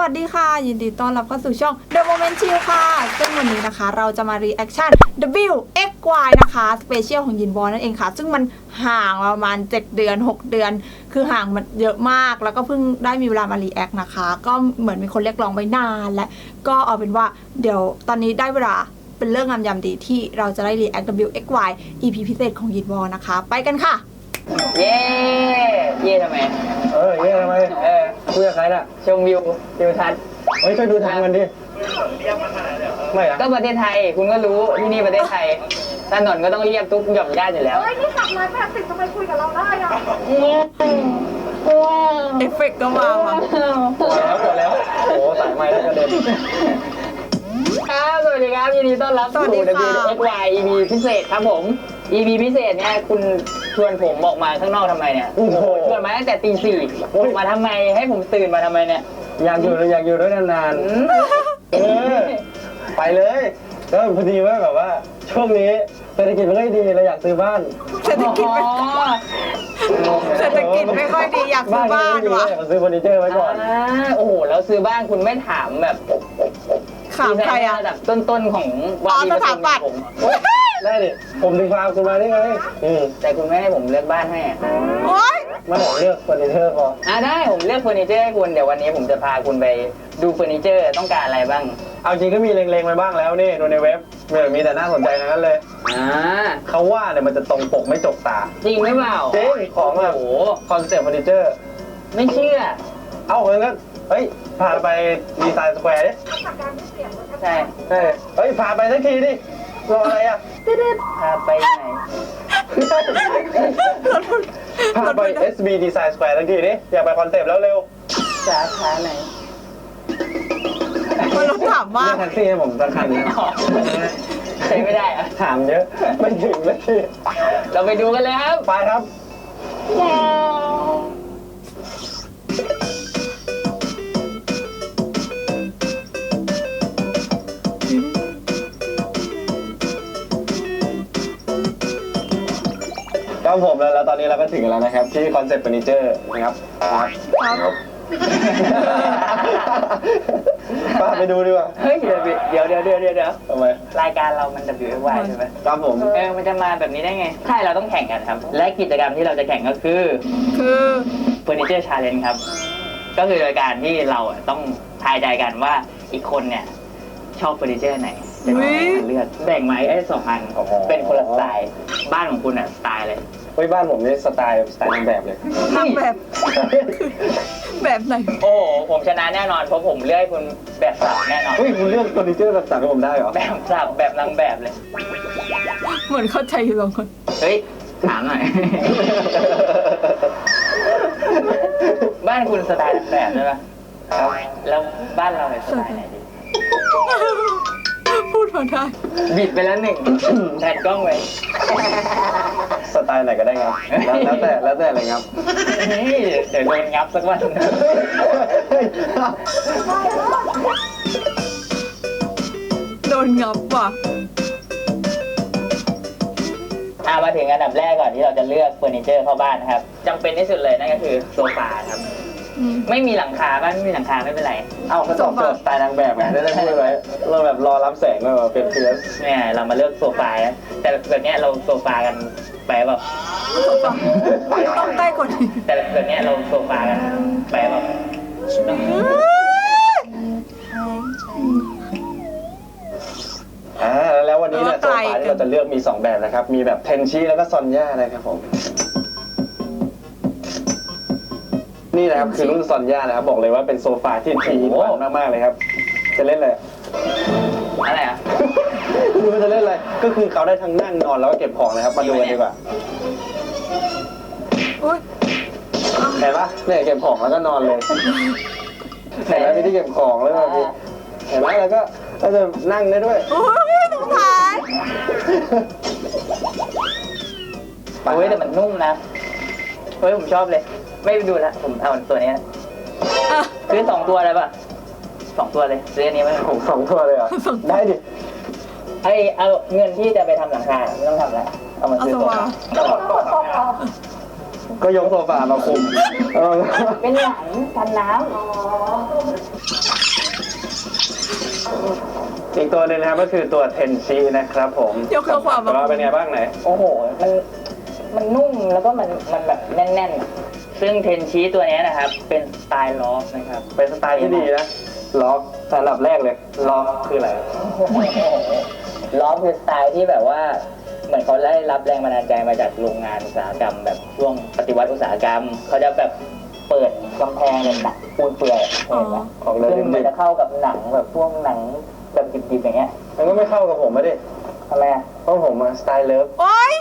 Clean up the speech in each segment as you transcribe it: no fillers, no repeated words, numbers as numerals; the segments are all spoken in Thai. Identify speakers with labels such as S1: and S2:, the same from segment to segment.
S1: สดีค่ะยินดีต้อนรับเข้าสู่ช่อง The Moment Chill ค่ะซึ่งวันนี้นะคะเราจะมา reaction W X Y นะคะสเปเชียลของยินบอลนั่นเองค่ะซึ่งมันห่างประมาณ7เดือน6เดือนคือห่างมันเยอะมากแล้วก็เพิ่งได้มีเวลามา react นะคะก็เหมือนมีคนเรียกร้องไว้นานและก็เอาเป็นว่าเดี๋ยวตอนนี้ได้เวลาเป็นเรื่องงามยามดีที่เราจะได้ react W X Y EP พิเศษของยินบอลนะคะไปกันค่ะ
S2: เย่เย่ทำไม
S3: เย่ทำไมคุยกับใครน่ะ
S2: ชมวิวทิวทัศน์
S3: ช่วยดูทางมันดิไม่อะ
S2: ก็ประเทศไทยคุณก็รู้ที่นี่ประเทศไทยถนนก็ต้องเรียบทุกหย่อมย่าอยู่แล้ว
S4: เฮ้ยนี่ขับมา80ทำไมคุยกับเราได้อะ
S1: เอฟเฟกต์ก็มาว่ะ
S3: ปวดแล้วโอ้สายไม้แล้วกระเด็น
S2: ครับสวัสดีครับยินดีต้อนรับสู่ WXY EP พิเศษครับผม EP พิเศษเนี่ยคุณชวนผมออกมาข้างนอกทำไมเนี่ยชวนมาตั้งแต่ตี 4มาทำไมให้ผมตื่นมาทำไมเนี่ย
S3: อยากอยู่ด้วยนานๆไปเลยก็พอดีว่าแบบว่าช่วงนี้เศรษฐกิจไม่ค่อยดีเราอยากซื้อบ้าน
S1: เศรษฐกิจไม่ค่อยดีอยากซื้อบ้านว่ะ
S3: อยากซื้อเฟอร์นิเจอร์ไว้ก่อน
S2: โอ้โหแล้วซื้อบ้านคุณไม่ถามแบบ
S1: ถามใครอะ
S2: ระดับต้นๆของ
S1: ว่าที่สถาปัตย์
S3: ได้ดิผมถึงพาคุณมาได้ไง
S2: แต่คุณไม่ให้ผมเลือกบ้านให้
S1: โอ๊ย
S3: ไม่เลือกเฟอร์นิเจอร์พอ
S2: ได้ผมเลือกเฟอร์นิเจอร์ให้คุณเดี๋ยววันนี้ผมจะพาคุณไปดูเฟอร์นิเจอร์ต้องการอะไรบ้าง
S3: เอาจริงก็มีเล็งๆไว้บ้างแล้วนี่ดูในเว็บมีแต่น่าสนใจทั้งนั้นเลยเขาว่าเนี่ยมันจะตรงปกไม่จกตา
S2: จริงหรือเปล่า
S3: จริงของแบบโอ้คอนเซ็ปต์เฟอร์นิเจอร์
S2: ไม่เชื่อ
S3: เอาเลยงั้นเฮ้ยพาไปดีไซน์สแควร์ดิ
S2: ใช่
S3: เฮ้ยพาไปสักทีดิรออะไรอ่ะ
S2: พาไปไหน
S3: พาไป SB Design Square สักทีดิอยากไปคอนเซ็ปต์แล้วเร็ว
S2: สาขาไหน
S1: คนรถถามว่า
S3: แท็กซี่ให้ผมสักคันนะ
S2: ใช้ไม่ได้อะ
S3: ถามเยอะไม่ถึงเลย
S2: เราไปดูกันเลยครับ
S3: ไปครับครับผมแล้วตอนนี้เราก็ถึงแล้วนะครับที่คอนเซ็ปต์เฟอร์นิเจอร์นะครับป้าไปดูดีกว่า
S2: เฮ้ยเดี๋ยว
S3: ทำไม
S2: รายการเรามัน WXY ใช่ไหม
S3: ครับผม
S2: มันจะมาแบบนี้ได้ไงใช่เราต้องแข่งกันครับและกิจกรรมที่เราจะแข่งก็คือเฟอร์นิเจอร์ชาเลนจ์ครับก็คือรายการที่เราต้องทายใจกันว่าอีกคนเนี่ยชอบเฟอร์นิเจอร์ไหนจะเลือกแบ่งไม้ไอ้2 อันเป็นคนละสไตล์บ้านของคุณสไตล์เลย
S3: บ้านผมนี่สไตล์นางแบบเลย
S1: นางแบบแบบไหน
S2: โอ้ผมชนะแน่นอนเพราะผมเลือกคุณแบบสับแน่นอน
S3: คุณเลือกเฟอร์นิเจอร์แบบสับให้ผมได้เหรอ
S2: แบบสับแบบนางแบบเลย
S1: เหมือนเข้าใจอยู่บางคน
S2: เฮ้ยถามหน่อยบ้านคุณสไตล์นางแบบใช่ไหมแล้วบ้านเราเนี่ยสไตล์ไหนดี
S1: พูดมาได้
S2: บิดไปแล้ว1แทนกล้องไว้
S3: สไตล์ไหนก็ได้ครับแล้วแต่อะไรครับ
S2: เดี๋ยวโดนงับสักวัน
S1: โดนงับว่ะ
S2: มาถึงอันดับแรกก่อนที่เราจะเลือกเฟอร์นิเจอร์เข้าบ้านนะครับจำเป็นที่สุดเลยนั่นก็คือโซฟาครับไม่มีหลังคาบ้านไม่มีหลังคาไม่เป็นไร
S3: เขาตอบโจทย์สไตล์นางแบบไงได้พูดไว้เราแบบรอรับแสงเลยเป็นเพื่อน
S2: เนี่ยเรามาเลือกโซฟาแต่แบบนี้เราโซฟากันไปแบบ
S1: ต้องใกล้กว่านี้
S2: แต่แบบนี้เราโซฟากันไปแบบ
S3: แล้ววันนี้เนี่ยโซฟาที่เราจะเลือกมี2แบบนะครับมีแบบเทนชิแล้วก็ซอนย่านะครับผมนี่นะครับคือรุ่นซอนย่านะครับบอกเลยว่าเป็นโซฟาที่ทีมากๆเลยครับจะเล่น
S2: อะไรอ่ะ
S3: ดูมันจะเล่นอะไรก็คือเขาได้ทั้งนั่งนอนแล้วก็เก็บของเลยครับมาดูกันดีกว่าเห็นปะเนี่ยเก็บของแล้วก็นอนเลยเห็นไหมมีที่เก็บของแล้วแบบนี้เห็นไหมแล้วก็จะนั่งได้ด้วย
S1: โอ้ยตรงท้าย
S2: แต่มันนุ่มนะผมชอบเลยไม่ดูละผมเอาตัวนี้ซื้อ2 ตัวเลยป่ะ2 ตัวเลยซื้ออันนี้ไหม
S3: ผม2 ตัวเลยเหรอได้ดิ
S2: เอาเงินที่จะไปทำหลังคาไม่ต้องทำแล้วเอามาซื้อตัว
S3: ก็ยกโซฟามาคุม
S2: เป็นหลังกันน้ำ
S3: อีกตัวหนึงนะครับก็คือตัวเทนชินะครับผม
S1: ยกตัวความ
S3: ว่าเป็นไงบ้างไหน
S2: โอ้โห มันนุ่มแล้วก็มันแบบแน่นๆ ซึ่งเทนชีตัวเนี้ยนะครับ เป็นสไตล์ล็อกนะครับ
S3: เป็นสไตล์ที่ดีนะล็อกอันดับแรกเลยล็อกคืออะไร
S2: ล็อกคือสไตล์ที่แบบว่า เหมือนเขาได้รับแรงบันดาลใจมาจากโรงงานอุตสาหกรรม แบบช่วงปฏิวัติอุตสาหกรรม เขาจะแบบเปิดกำแพงเป็นหนังปูนเปลื่อยเห็นไหม
S3: ของเลย
S2: ซึ่งมันจะเข้ากับหนังแบบพวกหนังแบบดิบๆอย่างเงี้ย
S3: มันก็ไม่เข้ากับผมไม่ดิ
S2: ทำไมอ่ะ
S3: เพราะผมอะสไตล์เลิฟ
S1: โอ๊ย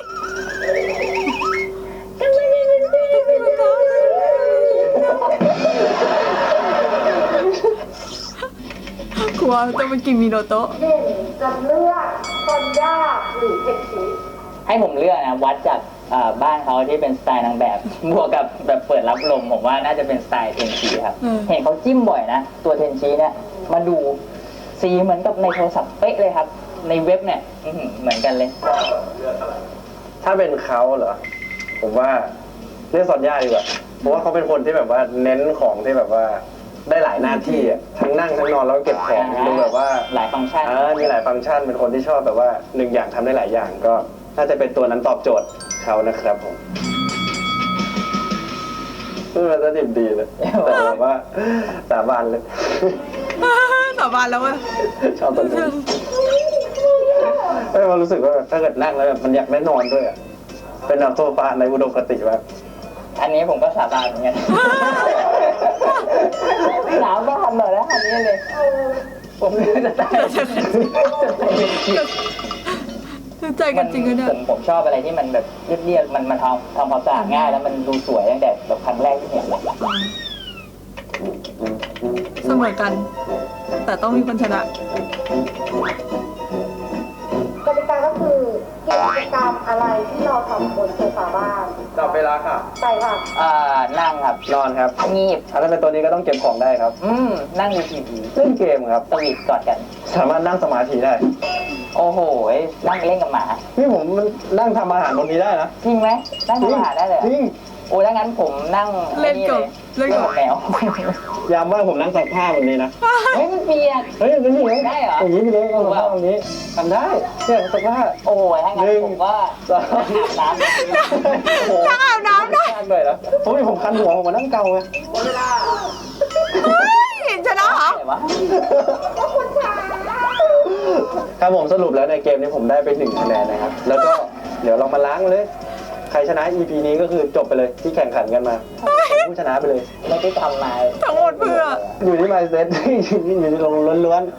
S1: กลัวจะมากินมิโนโตะ
S4: เด่นจะเลือกซอนย่าหรือเทนชิ
S2: ให้ผมเลือกนะวัดจากบ้านเขาที่เป็นสไตล์นางแบบ บวกกับแบบเปิดรับลมผมว่าน่าจะเป็นสไตล์เทนชีครับ เห็นเขาจิ้มบ่อยนะ ตัวเทนชีเนี่ยมาดูสีเหมือนกับในโทรศัพท์เป๊ะเลยครับ ในเว็บเนี่ยอื้อหือเหมือนกันเลย
S3: ถ้าเป็นเขาเหรอผมว่าเลือกซอนย่าดีกว่าเพราะว่าเขาเป็นคนที่แบบว่าเน้นของที่แบบว่าได้หลายหน้าที่อะทั้งนั่งทั้งนอนแล้วก็เก็บของดูแบบว่า
S2: หลายฟังก์ชัน
S3: มีหลายฟังก์ชันเป็นคนที่ชอบแบบว่าหนึ่งอย่างทำได้หลายอย่างก็น่าจะเป็นตัวนั้นตอบโจทย์เขานะครับผมพูดมาจะดิบดีเลยแต่แบบว่าสาบานเลย
S1: สาบานแล้วเว้ย
S3: ชอบตัวนี้ไม่มารู้สึกว่าถ้าเกิดนั่งแล้วแบบมันอยากได้นอนด้วยอ่ะเป็นแบบโซฟาในอุดมคติแบบ
S2: อันนี้ผมก็สาบานเหมือนกัน หนาวบ้านหน่อยนะอันนี้เลย ผมเลือกจะได้
S1: ใจกันจริงกันเนี่ย
S2: ผมชอบอะไรที่มันแบบเรียบๆมันทำความสะอาดง่ายแล้วมันดูสวยตั้งแต่แบบครั้งแรกที่เห็นเลย
S1: เสมอกัน แต่ต้องมีคนชนะ
S4: กติกาก็คือกิจกรรมอะไรที่เราทำบนโซฟาบ้าน
S3: จับเวลาค่ะ
S4: ใช่ค่ะ
S2: นั่งครับ
S3: นอนครับ
S2: งีบ
S3: ถ้าเป็นตัวนี้ก็ต้องเก็บของได้ครับ
S2: นั่งดูทีวี
S3: เล่นเกมครับ
S2: สวีทกอดกัน
S3: สามารถนั่งสมาธิได้
S2: โอ้โหนั่งเล่นกับหมา
S3: นี่ผมมันนั่งทำอาหารบนนี้ได้นะ
S2: จริงไหมนั่งทำอาหารได้เลยเหรอ
S3: จริง
S2: โอ้ถ้างั้นผมนั่ง
S1: เล่นกับ
S2: เล่นกับแมว
S3: ยามว่างผมนั่งซักผ้าแบบนี้นะ
S2: เฮ้ยมันเปียก
S3: เฮ้ยอย่างนี้เลย
S2: ได้เหรอ
S3: อย่างนี้ไปเลยเอาซักผ้าแบบนี้ทำได้เนี่ยซักผ้า
S2: โอ้ยถ้างั้นผมว่า
S3: สอง
S2: อาบน้ำ
S3: โอ้โห
S1: นั่งอาบน้ำได้
S3: ทำเลยนะผมคันหัวผมมานั่งเกาไง
S1: เฮ้ยชนะเหรอ
S2: ไหนวะ
S3: ครับผมสรุปแล้วในเกมนี้ผมได้ไป1 คะแนนนะครับ แล้วก็เดี๋ยวเรามาล้างเลย ใครชนะ EP นี้ก็คือจบไปเลยที่แข่งขันกันมาผู้ชนะไปเลย
S2: ไม่ได้ทำมา
S1: ทั้งหมดเพื่อ
S3: อยู่ที่ mindset อยู่ที่ลงล้วน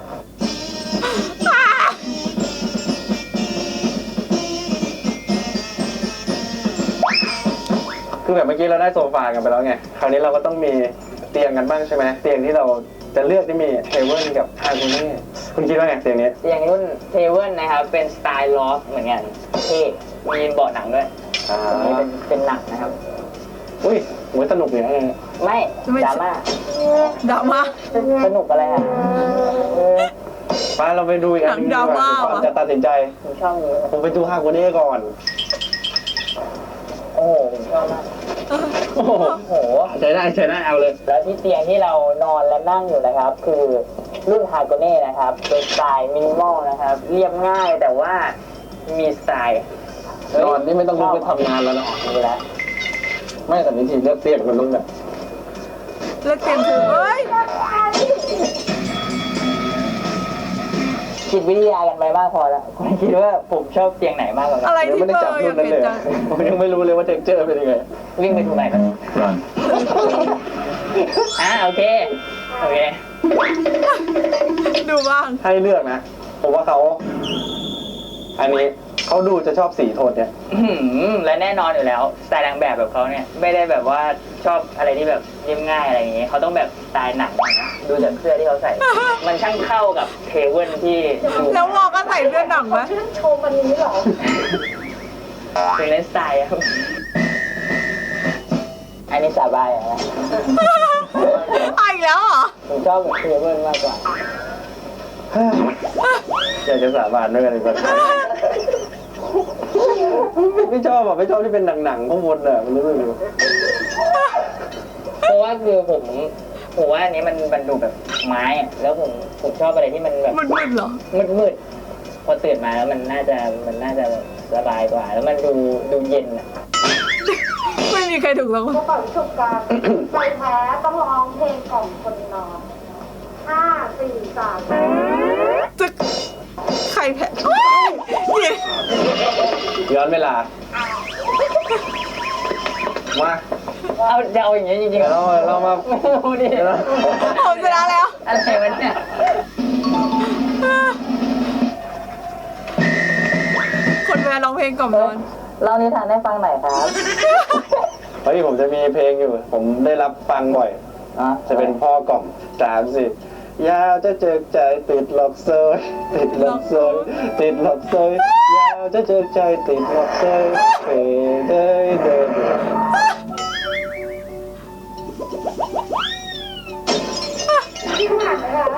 S3: ๆคือแบบเมื่อกี้เราได้โซฟากันไปแล้วไง คราวนี้เราก็ต้องมีเตียงกันบ้างใช่ไหมเตียงที่เราจะเลือกที่มีเทเบิลกับฮาร์โมนีคุณคิดว่าไงเตียงนี้
S2: เตียงรุ่นเทเวิลนะครับ เป็นสไตล์ลอฟเหมือนกันเท่มีเบาะหนังด้วย
S3: อ่า
S2: อันนี้เป็นหนังนะครับ
S3: อุ้ยโหสนุกเลยนะ
S2: ไม่ดราม่า
S1: ดราม่า
S2: สนุกอะไรอ่ะ
S3: มาเราไปดูอีกอันหนึงดีก
S1: หนังดราม่า
S3: ก่อน
S1: วะ
S3: จะตัดสินใจ
S2: ผมชอบนี้
S3: ผมไปดูฮาร์โมนีก่อน
S2: โอ้โหผมชอบมาก
S3: โอ้โห
S2: โอ้โห
S3: ใช้ได้เอาเลย
S2: แล้วที่เตียงที่เรานอนและนั่งอยู่นะครับ คือรุ่นฮาโกเน่นะครับเป็นสไตล์มินิมอลนะครับ เรียบง่ายแต่ว่ามีสไตล์
S3: นอนนี่ไม่ต้องลุกไปทำงานแล้วนะ
S2: นี่แหละ
S3: ไม่แต่วิธีเลือกเตียงมันต้องแบบ
S1: เลิกเกมคือเฮ้ย
S2: จิตวิทยากันไปมากพอแล้วคุณคิดว่าผมชอบเตียงไหนมากกว่ากั
S1: อะไร
S3: ยัง
S1: ที่
S3: ไม่ได้
S1: เบอ
S3: จับ
S1: ร์อ
S3: รุ่
S1: ยาน ก
S3: นั้น
S1: เห็น
S3: เลย
S1: จัง
S3: ผมยังไม่รู้เลยว่าเท็กเจอร์เป็นยังไง
S2: วิ่งไปถูกไหนกันโอเค
S1: ดูบ้าง
S3: ให้เลือกนะ ผมว่าเขาอันนี้เขาดูจะชอบสีโทนเนี่ย
S2: และแน่นอนอยู่แล้วสไตล์นางแบบแบบเขาเนี่ยไม่ได้แบบว่าชอบอะไรที่แบบเรียบง่ายอะไรอย่างเงี้ยเขาต้องแบบสไตล์หนังนะดูจากเสื้อที่เขาใส่ มันช่างเข้ากับเทเวิลที่ดู
S1: แล้ววอก็ใส่เสื้อหนังไหม
S4: ชื่นชมอันนี้เหรอ
S2: เป็นเลนสไตล์ครับอันนี้สาบายอะนะ
S1: ไปอีกแล้วเหรอ
S2: ผมชอบแบบเทเวิลมากกว่า
S3: อยากจะสาบานด้วยกันอีกคนไม่ชอบอ่ะไม่ชอบที่เป็นหนังๆข้างบนอ่ะมันรู้สึกอยู่
S2: เพราะว่าคือผมว่าอันนี้มันดูแบบไม้อะแล้วผมชอบอะไรที่มันแบบ
S1: มืดๆเหรอ
S2: มืดๆพอตื่นมาแล้วมันน่าจะแบบสบายกว่า แล้วมันดูเย็นอ่ะ
S1: ไม่มีใครถูกหรอก
S4: ก็ปล่อยชุบกัน ใครแพ้ต้องร้องเพลงกล่อมคนนอน5 4 3
S1: จะใครแพ้โอ๊ยเนี่ย
S3: ย้อนเวลา มา
S2: เอาจะเอาอย่างเงี้ยจริงๆ
S3: เดี๋ยวเรามา
S2: ดูดิ
S3: เดี๋ยวเรา
S1: ผมชนะแล้ว
S2: อะไรวะเนี่ย
S1: คนแพ้ร้องเพลงกล่อมนอน
S2: เล่านิทานให้ฟังหน่อยครับ
S3: เฮ้ยผมจะมีเพลงอยู่ ผมได้รับฟังบ่อย จะเป็นพ่อกล่อม3 4ยาวจะเจอใจติดหลอกเซยติดหลอกเซยติดหลอกเซยยาวจะเจอใจติดหลอกเซยเด้ยเด้ยเด้ย
S4: ที่ผ่านไหมคะ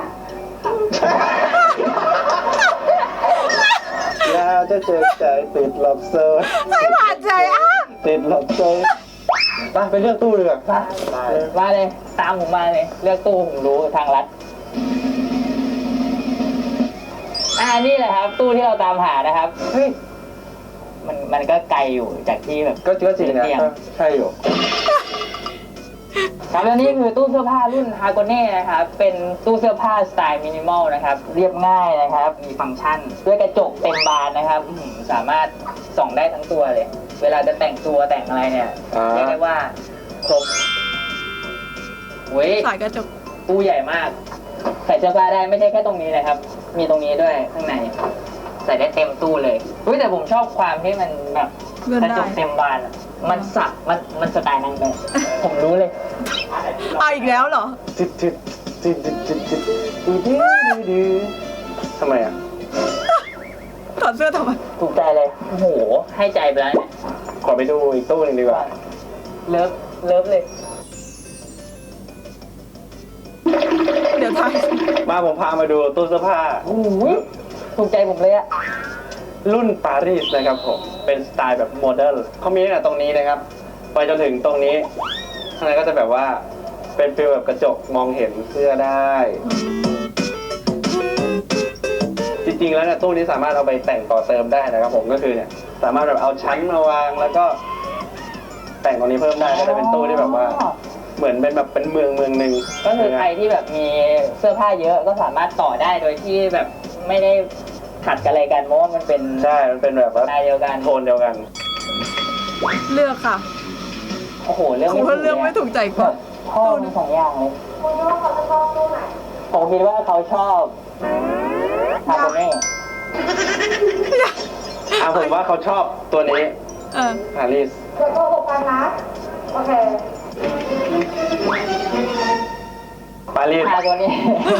S3: ยาวจะเจอใจติดหลอกเซย
S1: ไม่ผ่านใจอ่ะ
S3: ติดหลอกเซยไปเลือกตู้ดีกว่า
S2: มาเลย ตามผมมาเลย เลือกตู้ผมรู้ทางลัดนี่แหละครับ ตู้ที่เราตามหานะครับ
S3: เฮ้ย
S2: มันก็ไกลอยู่จากที่แบบ
S3: ก็จริงนะใช่อยู่
S2: ครับแล้วนี่คือตู้เสื้อผ้ารุ่นฮาโกเน่นะครับ เป็นตู้เสื้อผ้าสไตล์มินิมอลนะครับ เรียบง่ายนะครับ มีฟังก์ชัน ด้วยกระจกเต็มบานนะครับสามารถส่องได้ทั้งตัวเลย เวลาจะแต่งตัวแต่งอะไรเนี่ย เรียกได้ว่าครบเว้ย
S1: สายกระจก
S2: ตู้ใหญ่มาก ใส่เสื้อผ้าได้ไม่ใช่แค่ตรงนี้นะครับ มีตรงนี้ด้วยข้างใน ใส่ได้เต็มตู้เลยอุ้ยแต่ผมชอบความที่มันแบบ
S1: เลื่อน
S2: กระ
S1: ได้
S2: จกเต็มบานอะมันสักมันสไตล์นางแบบ ผมรู้เลย
S1: เอาอีกแล้วเหรอ
S3: ทำไมอ่ะ
S1: ถอดเสื้อทำไม
S2: ถูกใจเลย โอ้โห ให้ใจไปแล้วเนี่ย
S3: ขอไปดูอีกตู้หนึ่งดีกว่า
S2: เลิฟเลย
S1: เดี๋ยวทาย
S3: มาผมพามาดูตู้เสื้อผ้า
S2: โอ้โหถูกใจผมเลยอะ
S3: รุ่นปารีสนะครับผม เป็นสไตล์แบบโมเดิร์นเขามีตั้งแต่ตรงนี้นะครับ ไปจนถึงตรงนี้ ข้างในก็จะแบบว่า เป็นฟีลแบบกระจกมองเห็นเสื้อได้ จริงๆแล้วเนี่ยตู้นี้สามารถเอาไปแต่งต่อเติมได้นะครับผมก็คือเนี่ย สามารถแบบเอาชั้นมาวางแล้วก็แต่งตรงนี้เพิ่มได้ก็จะเป็นตู้ที่แบบว่า เหมือนเป็นแบบเป็นเมืองหนึ่ง
S2: ก็คือใครที่แบบมีเสื้อผ้าเยอะก็สามารถต่อได้โดยที่แบบไม่ได้ขัดกันอะไรกันเพราะว่ามันเป็น
S3: ใช่ มันเป็นแบบว่า
S2: ลายเดียวกัน
S3: โทนเดียวกัน
S1: เลือกค่ะ
S2: โอ้โหเรื่อง
S1: ผมว่าเลือกไม่ถูกใจกว่า
S2: ชอบทั้งสองอย่างเลย
S4: คุณคิดว่าเขาจะชอบตู้ไหน
S2: ผมคิดว่าเขาชอบฮาโกเน่
S3: ผมว่าเขาชอบตัวนี้
S1: เออ
S3: ปารีส
S4: เดี๋ยวโกหกกันนะ โอเค
S3: ปารีส
S2: ฮาโกเน่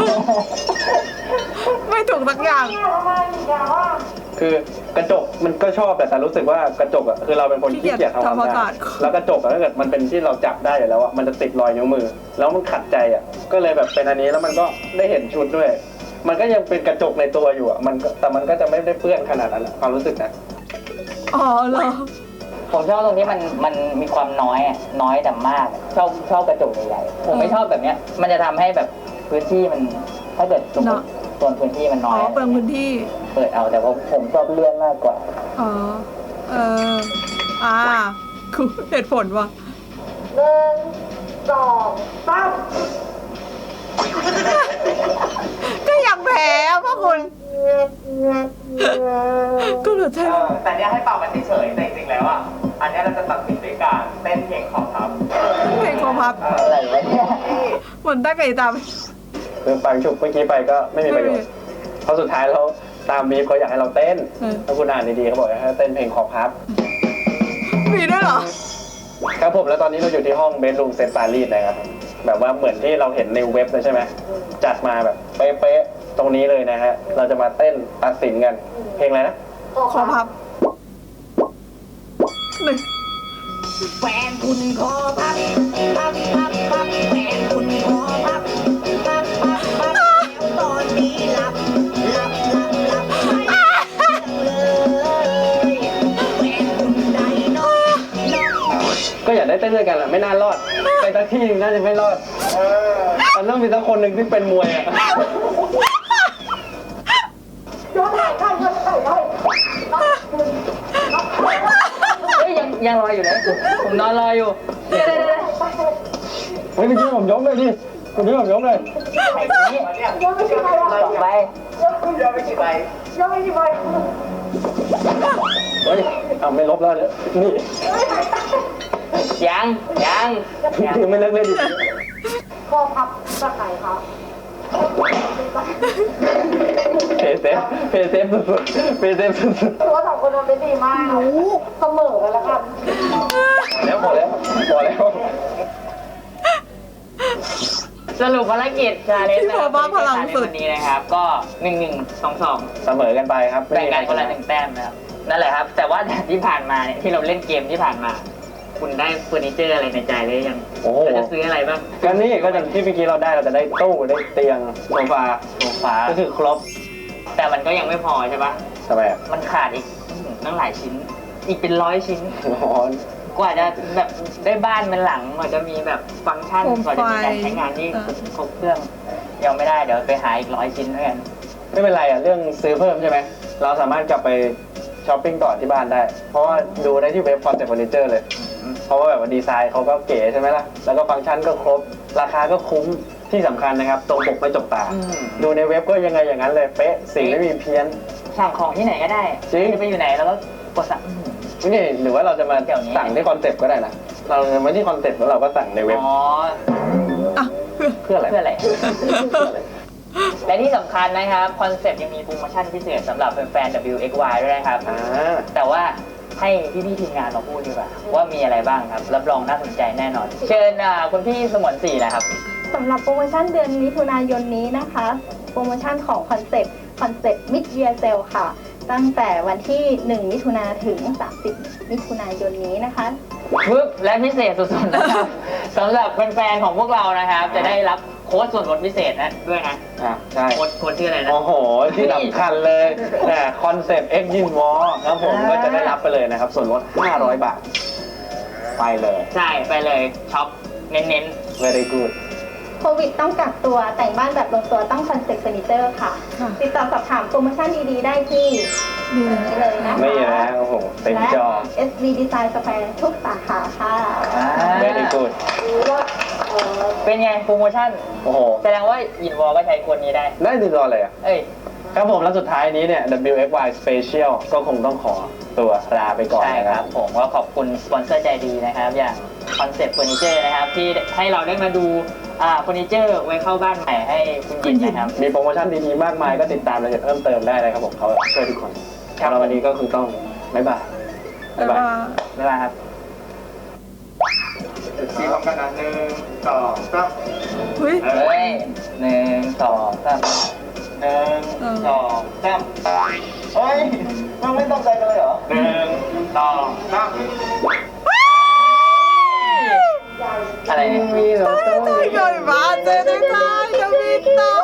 S1: ไม่ถูกสักอย่าง
S4: เนี่ยทำไมอีกแล้วอ่ะ
S3: คือกระจกมันก็ชอบแต่รู้สึกว่ากระจกอ่ะคือเราเป็นคนขี้เกียจทำความสะอาดแล้วกระจกอะถ้าเกิดมันเป็นที่เราจับได้อยู่แล้วอ่ะมันจะติดรอยนิ้วมือ แล้วมันขัดใจอ่ะก็เลยแบบเป็นอันนี้แล้วมันก็ได้เห็นชุดด้วย มันก็ยังเป็นกระจกในตัวอยู่อ่ะแต่มันก็จะไม่ได้เปื้อนขนาดนั้นอะความรู้สึกนะ
S1: อ๋อเหรอ
S2: ผมชอบตรงที่มันมีความน้อยอะน้อยแต่มากอะชอบกระจกใหญ่ๆผมไม่ชอบแบบเนี้ย มันจะทำให้แบบพื้นที่มันถ้าเกิดสมมติส่วนพื้นที่มันน้
S1: อ๋
S2: อ
S1: อย เปลืองพื้นที่
S2: เปิดเอาแต่ผมชอบเลื่อนมากกว่า
S1: อ๋อ เออ คือเหตุผลว่ะ
S4: 1 2 3
S1: ก็อยากแพ้อะพ่อคุณ ก็เหลือใช่
S2: แต่เนี้ยให้เป่ามันเฉยๆแต่จริงๆแล้วอ่ะอันเนี้ยเราจะตัดสินด้วยการเต้นเพลงของครับ
S1: เพลงคอพับ
S2: อะไรวะเนี่ย
S1: เหมือนตั้งไก่ตาม
S3: คือฟังฉุบเมื่อกี้ไปก็ไม่มีประโยชน์เพราะสุดท้ายแล้วตามบีฟเขาอยากให้เราเต้นถ้าคุณอ่านดีๆเขาบอกให้เต้นเพลงคอพับ
S1: มีด้วยเหรอ
S3: ครับผมแล้วตอนนี้เราอยู่ที่ห้องเบดรูมเซนต์ปารีสนะครับแบบว่าเหมือนที่เราเห็นในเว็บเลยใช่ไหมจัดมาแบบเป๊ะๆตรงนี้เลยนะฮะเราจะมาเต้นตัดสินกันเพลงอะไรนะ
S1: คอพับหนึ่ง
S5: แฟนคุณขอพับพับพับพับแฟนคุณขอพับพับพับพับแล้วตอนนี้หลับหลับหลับหลับไม่เลยแฟนคุณได้นอนนอน
S3: ก็อยากได้เต้นด้วยกันแหละไม่น่ารอดไปสักที่หนึงน่าจะไม่รอดมันต้องมีสักคนหนึ่งที่เป็นมวยอ่ะ
S4: ย้อนหลังได้ย้อนหลังได้
S2: เฮ้ยยังรออยู่เลยผมนอนรออยู่เดี๋ยว
S3: เฮ้ยเมื่อกี้ผมยกเลยดิเมื่อกี้ผมยกเลย
S2: ไอ้นี้
S4: ย้อนไปกี่ใบ
S2: สองใบ
S4: ย้อนไปกี่ใบ
S3: เฮ้ยเอาไม่ลบแล้วเนี่ยนี่
S2: ยัง
S3: ถือไม่เลิกเลยดิ
S4: คอพับตะไคร้ครับ
S3: เพย์เซฟสุดๆเพย์เซฟสุด
S4: ตัวสองคนมันเป็นดีมากเสมอกันแล้วกัน
S3: ๆแล้วพอแล้ว
S2: สรุปภารกิจชาเลนจ์
S1: พี่โบบ้าพลังสุด
S2: วันนี้นะครับ ก็1-1-2-2
S3: เสมอกันไปครับ
S2: แบ่งกันคนละ1แต้มนะครับนั่นแหละครับ แต่ว่าที่ผ่านมาเนี่ยที่เราเล่นเกมที่ผ่านมา คุณได้เฟอร์นิเจอร์อะไรในใจเลยยัง
S3: โอ้โห
S2: เราจะซื้ออะไรบ้าง
S3: ก็นี่ก็อย่างที่เมื่อกี้เราจะได้ตู้ได้เตียงโซฟา
S2: โซฟา
S3: ก็คือครบ
S2: แต่มันก็ยังไม่พอใช่ปะ
S3: ทำไมอ่ะ
S2: มันขาดอีกตั้งหลายชิ้น อีกเป็น100 ชิ้น
S3: อ๋อก
S2: ว่าจะแบบได้บ้านเป็นหลังกว่าจะมีแบบฟังก์ชัน
S1: โคม
S2: กว่าจะมีการ
S1: ไฟ
S2: ใช้งานที่ครบเครื่องยังไม่ได้เดี๋ยวไปหาอีก100 ชิ้นแล้วกัน
S3: ไม่เป็นไรอ่ะเรื่องซื้อเพิ่มใช่ไหมเราสามารถกลับไปช้อปปิ้งต่อที่บ้านได้ เพราะว่าดูได้ที่เว็บคอนเซ็ปต์เฟอร์นิเจอร์เลย เพราะว่าแบบว่าดีไซน์เขาก็เก๋ใช่ไหมล่ะ แล้วก็ฟังก์ชันก็ครบ ราคาก็คุ้มที่สำคัญนะครับ ตรงปกไม่จกตา
S2: อืม
S3: ดูในเว็บก็ยังไงอย่างนั้นเลย เป๊ะ สิ่งไม่มีเพี้ยน
S2: สั่งของที่ไหนก็ได้
S3: จริง
S2: จะไปอยู่ไหนแล้วก็กดสั่ง
S3: นี่หรือว่าเราจะมา
S2: เดี๋ยวนี้
S3: สั่งที่คอนเซ็ปต์ก็ได้นะ เราจะมาที่คอนเซ็ปต์แล้วเราก็สั่งในเว็บ
S2: อ๋อ
S1: อ่ะ
S3: เพื่ออะไร
S2: เพื่ออะไร และที่สำคัญนะครับคอนเซ็ปต์ยังมีโปรโมชั่นพิเศษสำหรับแฟนๆ WXY ด้วยนะครับ
S3: อ่า
S2: แต่ว่าให้พี่ๆทีมงานมาพูดดีกว่าว่ามีอะไรบ้างครับ รับรองน่าสนใจแน่นอน เชิญคุณพี่สมรศรีนะครับ
S6: สำหรับโปรโมชั่นเดือนมิถุนายนนี้นะคะ โปรโมชั่นของคอนเซ็ปต์มิดเยียร์เซลค่ะ ตั้งแต่วันที่ 1 มิถุนาถึง 30 มิถุนายนนี้นะคะ
S2: ปึ๊บและพิเศษสุดๆนะครับ สำหรับแฟนๆของพวกเรานะครับ จะได้รับโค้ดส่วนลดพิเศษนะด้วยนะ
S3: ใช่
S2: โค้ดชื่ออะไรนะ
S3: โอ้โห ที่สำคัญเลยคอนเซ็ปต์ X ยินวอลครับผมก็จะได้รับไปเลยนะครับ ส่วนลด 500 บาท ไปเลย
S2: ใช่ไปเลยช็อปเน้น
S3: very good
S6: โควิดต้องกักตัวแต่งบ้านแบบลงตัวต้องคอนเซ็ปต์เฟอร์นิเจอร์ค่ะ
S1: ค่ะ
S6: ติดต่อสอบถามโปรโมชั่นดีๆได้ที่
S1: นี่
S6: นี่เลยนะคะ
S3: ไม่นะโอ้โหเต็ม
S6: และ
S3: จอ
S6: SB Design Square ทุกสาขาค่ะ
S2: ๆ
S3: very good
S2: เป็นไงโปรโมชั่น
S3: โอ้โห
S2: แสดงว่ายินวอลก็ใช้คนนี้ได้
S3: ได้ติดต่อเลยอ่ะ
S2: เอ้ย
S3: ครับผมแล้วสุดท้ายนี้เนี่ย WXY Special ก็คงต้องขอตัวลาไปก่อน
S2: ใช่
S3: นะ
S2: ค
S3: ค
S2: รั
S3: รั
S2: บบ ผมก็ขอบคุณสปอนเซอร์ใจดีนะครับ อย่างคอนเซ็ปต์เฟอร์นิเจอร์นะครับ ที่ให้เราได้มาดูเฟอร์นิเจอร์ไว้เข้าบ้านใหม่ให้คุณยินนะครับ
S3: มีโปรโมชั่นดีๆ มากมายก็ติดตามรายละเอียดเพิ่มเติมได้เลยครับผมเขาช่วยทุกคน
S2: ครับ
S3: แล้ววันนี้ก็คือต้องบ๊ายบาย
S1: บ๊ายบาย
S2: บ๊ายบายครับ
S7: สีพร้อมกันนะ1 2 3
S1: เฮ้ย
S2: เฮ้ย1 2 3 1 2 3
S7: เฮ้ยมันไม่ต้องใจกันเลยเหรอ1 2 3
S2: อะไรเนี่ย
S3: มีเหรอ
S1: ใหญ่มากเจได้ใจจะมีต่อ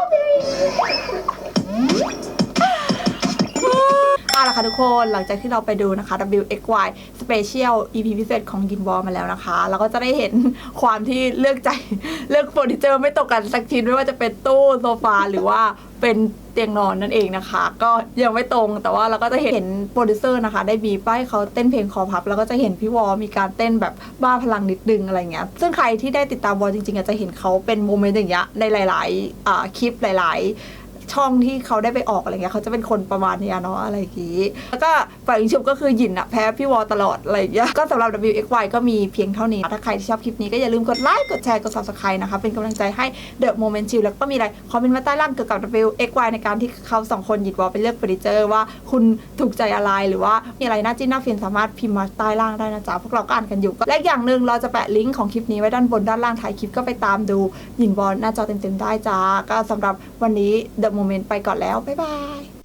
S1: เอาล่ะค่ะทุกคนหลังจากที่เราไปดูนะคะ WXY Special EP พิเศษของยินบอลมาแล้วนะคะ เราก็จะได้เห็นความที่เลือกใจเลือกเฟอร์นิเจอร์ไม่ตกกันสักชิ้นไม่ว่าจะเป็นตู้โซฟาหรือว่าเป็นเตียงนอนนั่นเองนะคะ ก็ยังไม่ตรงแต่ว่าเราก็จะเห็นโปรดิวเซอร์นะคะได้บีบให้เขาเต้นเพลงคอพับแล้วก็จะเห็นพี่วอมีการเต้นแบบบ้าพลังนิดนึงอะไรเงี้ยซึ่งใครที่ได้ติดตามวอจริงๆอาจจะเห็นเขาเป็นโมเมนต์อย่างเงี้ยในหลายๆคลิปหลายๆช่องที่เขาได้ไปออกอะไรเงี้ยเขาจะเป็นคนประมาณเนี้ยเนาะอะไรอย่างงี้แล้วก็ฝ่ายยิงชุบก็คือหยินอะแพ้พี่วอตลอดอะไรอย่างเงี้ยก็สำหรับ WXY ก็มีเพียงเท่านี้ถ้าใครที่ชอบคลิปนี้ก็อย่าลืมกดไลค์กดแชร์กด Subscribe นะคะเป็นกำลังใจให้ The Moment Chill แล้วก็มีอะไรคอมเมนต์มาใต้ล่างเกี่ยวกับ WXY ในการที่เขาสองคนหยินวอไปเลือกเฟอร์นิเจอร์ว่าคุณถูกใจอะไรหรือว่ามีอะไรน่าจิ้นน่าฟินสามารถพิมพ์มาใต้ล่างได้นะจ๊ะพวกเราก็อ่านกันอยู่และอย่างหนึ่งเราจะแปะลิงก์ของคลิปนี้ไว้ด้านบนด้านล่างท้ายคลิปก็ไปตามดูหยินวอหน้าจอเต็มๆได้จ้าก็สำหรับวันนี้ The Moment ไปก่อนแล้วบ๊ายบาย